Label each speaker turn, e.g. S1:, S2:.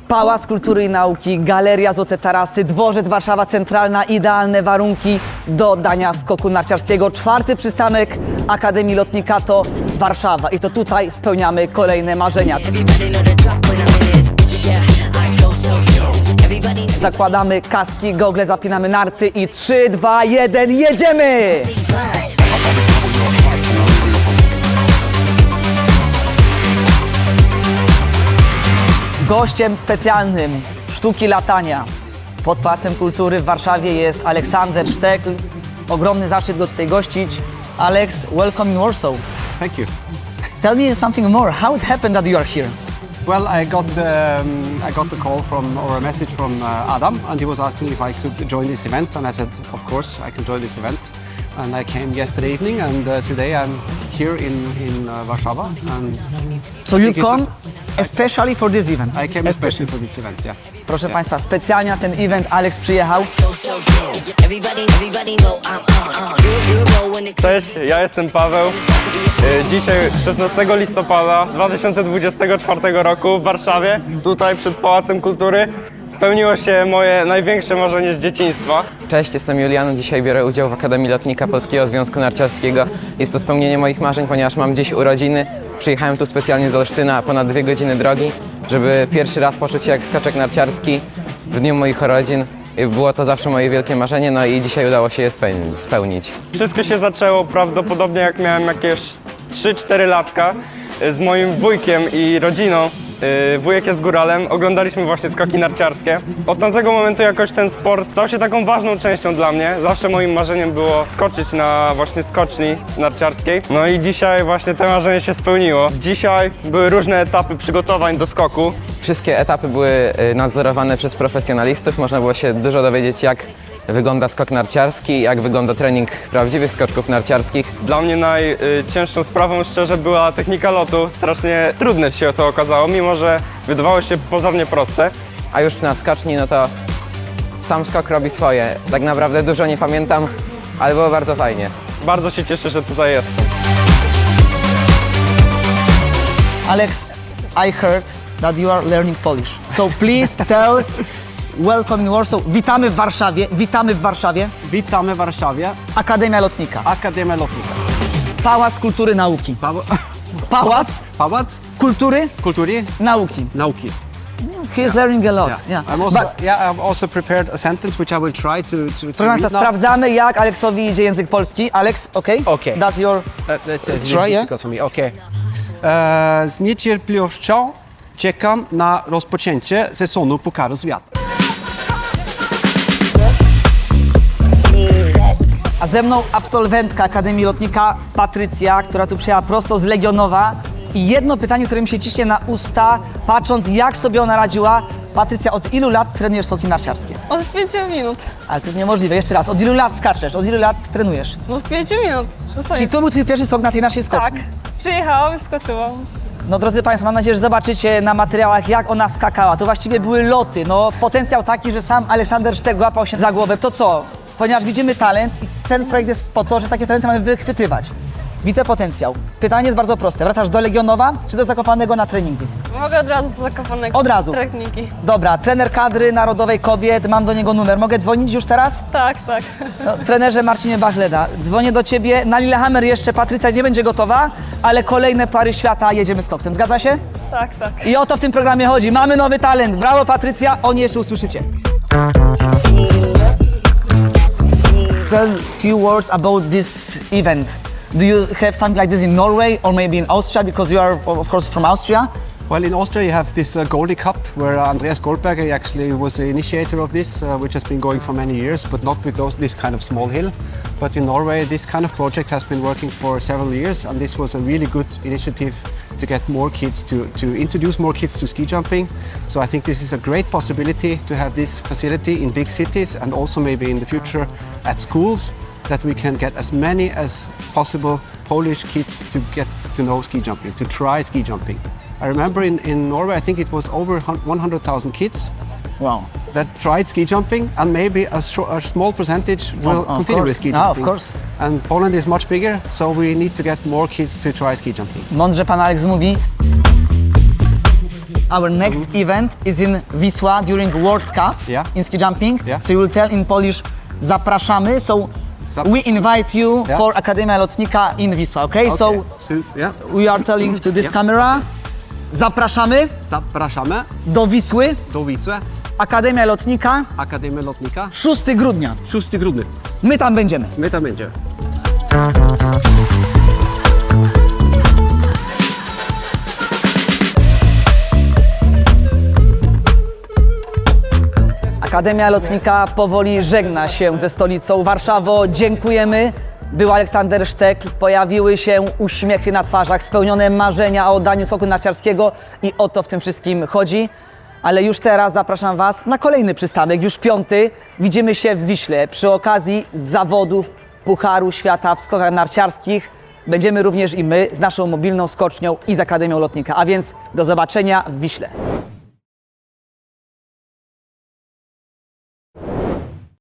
S1: Pałac Kultury i Nauki, Galeria Złote Tarasy, Dworzec Warszawa Centralna, idealne warunki do oddania skoku narciarskiego. 4. przystanek Akademii Lotnika to Warszawa i to tutaj spełniamy kolejne marzenia. Zakładamy kaski, gogle, zapinamy narty i 3, 2, 1, jedziemy! Gościem specjalnym sztuki latania pod Pałacem Kultury w Warszawie jest Aleksander Sztekl. Ogromny zaszczyt go tutaj gościć. Alex, welcome in Warsaw.
S2: Thank you.
S1: Tell me something more. How it happened that you are here?
S2: Well, I got the call from, or a message from Adam, and he was asking if I could join this event, and I said, of course, I can join this event. And I came yesterday evening, and today I'm here in Warszawa. And
S1: So you come especially for this event?
S2: I came especially for this event, yeah.
S1: Proszę Państwa, specjalnie na ten event Alex przyjechał.
S3: Cześć, ja jestem Paweł. Dzisiaj 16 listopada 2024 roku w Warszawie, tutaj przed Pałacem Kultury, spełniło się moje największe marzenie z dzieciństwa.
S4: Cześć, jestem Julian. Dzisiaj biorę udział w Akademii Lotnika Polskiego Związku Narciarskiego. Jest to spełnienie moich marzeń, ponieważ mam dziś urodziny. Przyjechałem tu specjalnie z Olsztyna, ponad 2 godziny drogi, żeby pierwszy raz poczuć się jak skaczek narciarski w dniu moich urodzin. Było to zawsze moje wielkie marzenie, no i dzisiaj udało się je spełnić.
S3: Wszystko się zaczęło prawdopodobnie jak miałem jakieś 3-4 latka z moim wujkiem i rodziną. Wujek jest góralem, oglądaliśmy właśnie skoki narciarskie. Od tamtego momentu jakoś ten sport stał się taką ważną częścią dla mnie. Zawsze moim marzeniem było skoczyć na właśnie skoczni narciarskiej. No i dzisiaj właśnie to marzenie się spełniło. Dzisiaj były różne etapy przygotowań do skoku.
S4: Wszystkie etapy były nadzorowane przez profesjonalistów. Można było się dużo dowiedzieć, jak wygląda skok narciarski, jak wygląda trening prawdziwych skoczków narciarskich.
S3: Dla mnie najcięższą sprawą szczerze była technika lotu. Strasznie trudne się to okazało, mimo że wydawało się pozornie proste.
S4: A już na skoczni, no to sam skok robi swoje. Tak naprawdę dużo nie pamiętam, ale było bardzo fajnie.
S3: Bardzo się cieszę, że tutaj jestem.
S1: Alex, I heard that you are learning Polish. So please tell, welcome in Warsaw. Witamy w Warszawie, witamy w Warszawie.
S2: Witamy w Warszawie,
S1: Akademia Lotnika.
S2: Akademia Lotnika.
S1: Pałac Kultury Nauki.
S2: Pałac
S1: Kultury
S2: Kultury
S1: Nauki.
S2: Nauki.
S1: He is learning a lot. Yeah.
S2: I've also prepared a sentence which I will try to
S1: Proszę Państwa,
S2: read now.
S1: sprawdzamy jak Aleksowi idzie język polski. Alex, okay?
S2: Okay.
S1: That's your...
S2: That's a
S1: Try, yeah?
S2: difficult for me. Okay. Z niecierpliwością czekam na rozpoczęcie sezonu Pucharu Świata.
S1: A ze mną absolwentka Akademii Lotnika Patrycja, która tu przyjechała prosto z Legionowa. I jedno pytanie, które mi się ciśnie na usta, patrząc jak sobie ona radziła. Patrycja, od ilu lat trenujesz skoki narciarskie?
S5: Od 5 minut.
S1: Ale to jest niemożliwe. Jeszcze raz, od ilu lat skaczesz? Od ilu lat trenujesz?
S5: No z 5 minut.
S1: Czyli to był twój pierwszy skok na tej naszej skoczni?
S5: Tak. Przyjechałam i skoczyłam.
S1: No drodzy Państwo, mam nadzieję, że zobaczycie na materiałach jak ona skakała. To właściwie były loty. No potencjał taki, że sam Aleksander Sztekl łapał się za głowę. To co? Ponieważ widzimy talent i ten projekt jest po to, że takie talenty mamy wychwytywać. Widzę potencjał. Pytanie jest bardzo proste. Wracasz do Legionowa czy do Zakopanego na treningi?
S5: Mogę od razu do Zakopanego.
S1: Od razu?
S5: Techniki.
S1: Dobra, trener kadry narodowej kobiet, mam do niego numer. Mogę dzwonić już teraz?
S5: Tak.
S1: No, trenerze Marcinie Bachleda, dzwonię do Ciebie. Na Lillehammer jeszcze Patrycja nie będzie gotowa, ale kolejne pary świata jedziemy z koksem. Zgadza się?
S5: Tak.
S1: I o to w tym programie chodzi. Mamy nowy talent. Brawo Patrycja, o niej jeszcze usłyszycie. Tell few words about this event. Do you have something like this in Norway or maybe in Austria, because you are of course from Austria?
S2: Well, in Austria you have this Goldie Cup, where Andreas Goldberger actually was the initiator of this, which has been going for many years, but not with this kind of small hill. But in Norway, this kind of project has been working for several years, and this was a really good initiative to get more kids to introduce more kids to ski jumping. So I think this is a great possibility to have this facility in big cities and also maybe in the future at schools, that we can get as many as possible Polish kids to get to know ski jumping, to try ski jumping. I remember in Norway, I think it was over 100,000 kids
S1: Wow.
S2: that tried ski jumping, and maybe a small percentage will
S1: Of
S2: continue
S1: course.
S2: with ski
S1: Ah,
S2: jumping.
S1: of course.
S2: And Poland is much bigger, so we need to get more kids to try ski jumping.
S1: Mądrze pan Alex mówi. our next event is in Wisła during World Cup
S2: Yeah.
S1: in ski jumping.
S2: Yeah.
S1: So you will tell in Polish, zapraszamy. So we invite you
S2: Yeah.
S1: for Akademia Lotnika in Wisła, okay? So
S2: yeah.
S1: we are telling to this camera, zapraszamy
S2: Zapraszamy
S1: do Wisły,
S2: do Wisły,
S1: Akademia Lotnika,
S2: Akademia Lotnika,
S1: 6 grudnia.
S2: 6 grudnia.
S1: My tam będziemy.
S2: My tam będziemy.
S1: Akademia Lotnika powoli żegna się ze stolicą. Warszawo, dziękujemy. Był Aleksander Sztekl, pojawiły się uśmiechy na twarzach, spełnione marzenia o oddaniu skoku narciarskiego i o to w tym wszystkim chodzi. Ale już teraz zapraszam Was na kolejny przystanek, już 5. Widzimy się w Wiśle przy okazji zawodów Pucharu Świata w skokach narciarskich. Będziemy również i my z naszą mobilną skocznią i z Akademią Lotnika. A więc do zobaczenia w Wiśle.